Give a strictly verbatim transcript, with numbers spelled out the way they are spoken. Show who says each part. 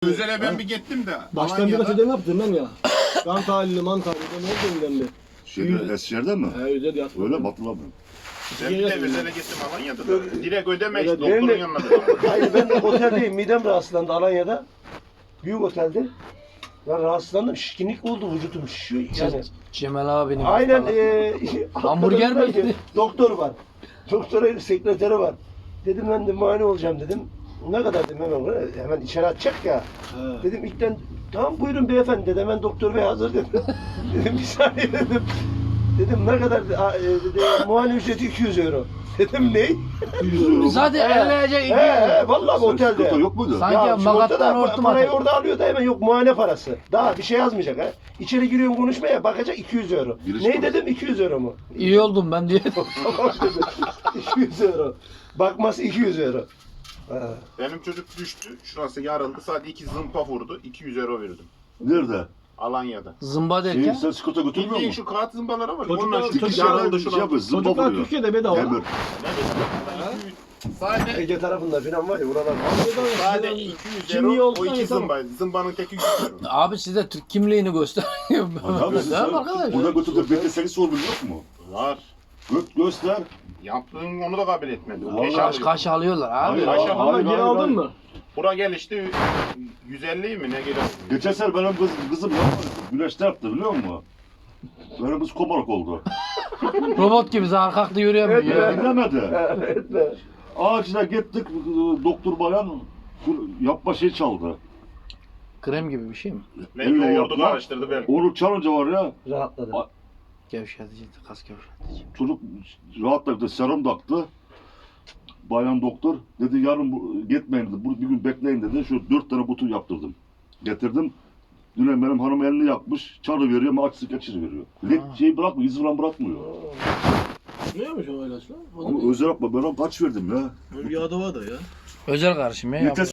Speaker 1: Özel'e ben bir gittim de.
Speaker 2: Baştan bir ödeme yaptım ben ya. Kan tahlili, man tahlili ne oldu ben bir.
Speaker 3: Şeyde, Eskişehir'de mi?
Speaker 2: He özel yat.
Speaker 3: Öyle mi hatırlamıyorum.
Speaker 1: Ben bir de Özel'e gittim Alanya'da da. Direkt ödeme işte
Speaker 2: Evet,
Speaker 1: doktorun
Speaker 4: benim de-
Speaker 1: yanına.
Speaker 4: Hayır ben de oteldeyim. Midem rahatsızlandı Alanya'da. Büyük otelde. Ben rahatsızlandım. Şişkinlik oldu. Vücudum şişiyor. Yani.
Speaker 5: Cemal abinin.
Speaker 4: Aynen.
Speaker 5: falan.
Speaker 4: E,
Speaker 5: Hamburger mi
Speaker 4: hakikaten
Speaker 5: yedi?
Speaker 4: Doktor var. Doktora sekreteri var. Dedim ben de muayene olacağım dedim. Ne kadar dedim hemen hemen içeri atacak ya.
Speaker 2: He.
Speaker 4: Dedim ilkten tamam buyurun beyefendi dedi. Hemen doktor bey hazır dedim. Dedim bir saniye dedim. Dedim ne kadar dedi, "Aa, e, dedi muayene ücreti iki yüz euro. Dedim ne?
Speaker 5: Zaten
Speaker 4: He.
Speaker 5: elleyecek
Speaker 4: He
Speaker 5: iki.
Speaker 4: he vallahi
Speaker 3: Sen
Speaker 4: otelde.
Speaker 3: sıkıntı yok muydu?
Speaker 5: Sanki
Speaker 4: Ya
Speaker 5: makattan
Speaker 4: sigortada
Speaker 5: hortum
Speaker 4: parayı
Speaker 5: atıyor.
Speaker 4: orada alıyor da hemen yok muayene parası. Daha bir şey yazmayacak ha. İçeri giriyorsun konuşmaya bakacak iki yüz euro.
Speaker 3: Giriş
Speaker 4: ne
Speaker 3: parası.
Speaker 4: dedim iki yüz euro mu?
Speaker 5: İyi oldum ben diye.
Speaker 4: Tamam dedim. iki yüz euro. Bakması iki yüz euro. Ha.
Speaker 1: Benim çocuk düştü. Şurası yarıldı. Sadece iki zımpa vurdu. iki yüz euro verdim.
Speaker 3: Nerede?
Speaker 1: Alanya'da.
Speaker 5: Zımba
Speaker 3: Şeyi
Speaker 5: derken.
Speaker 3: sen skota götürmüyor
Speaker 1: Bildiğin
Speaker 3: musun?
Speaker 1: şu kağıt zımbaları var.
Speaker 2: Çocuklar-
Speaker 1: Onlar şu
Speaker 2: çocuklar-
Speaker 1: yarıldı
Speaker 3: Şey
Speaker 1: şuna.
Speaker 3: yapıyor, zımba
Speaker 2: Çocuklar
Speaker 3: vuruyor.
Speaker 2: Türkiye'de bedava.
Speaker 3: Demir.
Speaker 1: Ne bileyim. Sadece
Speaker 4: Ege tarafında falan var ya buralar.
Speaker 1: sadece iki yüz
Speaker 2: Kimliği
Speaker 1: euro
Speaker 2: olsa
Speaker 1: o iki
Speaker 2: yeter.
Speaker 1: zımba. Zımbanın teki yüz euro.
Speaker 5: Abi size Türk kimliğini göster.
Speaker 3: Abi sen
Speaker 5: Tamam arkadaş.
Speaker 3: burada götürüp B T S'li sorgun yok mu?
Speaker 1: Var.
Speaker 3: Göt göster.
Speaker 1: Yaptığın onu da kabul etmedi. O
Speaker 3: Vallahi
Speaker 1: keş
Speaker 5: Kaş
Speaker 1: alıyor.
Speaker 5: kaş alıyorlar abi.
Speaker 3: Hayır,
Speaker 1: Aşağı-
Speaker 3: hayır,
Speaker 2: Ama
Speaker 3: hayır,
Speaker 2: geri
Speaker 3: hayır,
Speaker 2: aldın
Speaker 3: hayır.
Speaker 2: mı?
Speaker 1: Bura gelişti yüz elli mi ne geliyor?
Speaker 3: Geçen sene benim kız, kızım yapmadı. Güneşte yaptı biliyor musun? Benim kız komarak oldu.
Speaker 5: Robot gibi zarkaklı yürüyemiyor.
Speaker 4: Evet,
Speaker 5: ya.
Speaker 3: Dinlemedi.
Speaker 4: Etme.
Speaker 3: Ağacına gittik, doktor bayan yapma şey çaldı.
Speaker 5: Krem gibi bir şey mi?
Speaker 1: Belki
Speaker 3: Elle
Speaker 1: o ordu
Speaker 3: yapma.
Speaker 1: karıştırdı belki.
Speaker 3: Onu çalınca var ya,
Speaker 4: Rahatladı.
Speaker 5: Gevşetici, kas gevşetici.
Speaker 3: çocuk rahatladı, serum taktı. Bayan doktor dedi yarın bu, gitmeyin dedi, bu, bir gün bekleyin dedi. Şu dört tane butu yaptırdım. Getirdim. Dün benim hanım elini yakmış, çarı veriyor ama açsı geçiri veriyor. Led şeyi bırakmıyor, iz falan bırakmıyor.
Speaker 2: Neymiş o ilaçlar? O da
Speaker 3: Ama özel yapma, ben ona kaç verdim ya.
Speaker 2: bir adı var da ya.
Speaker 5: Özel karışım ya.
Speaker 3: Yeter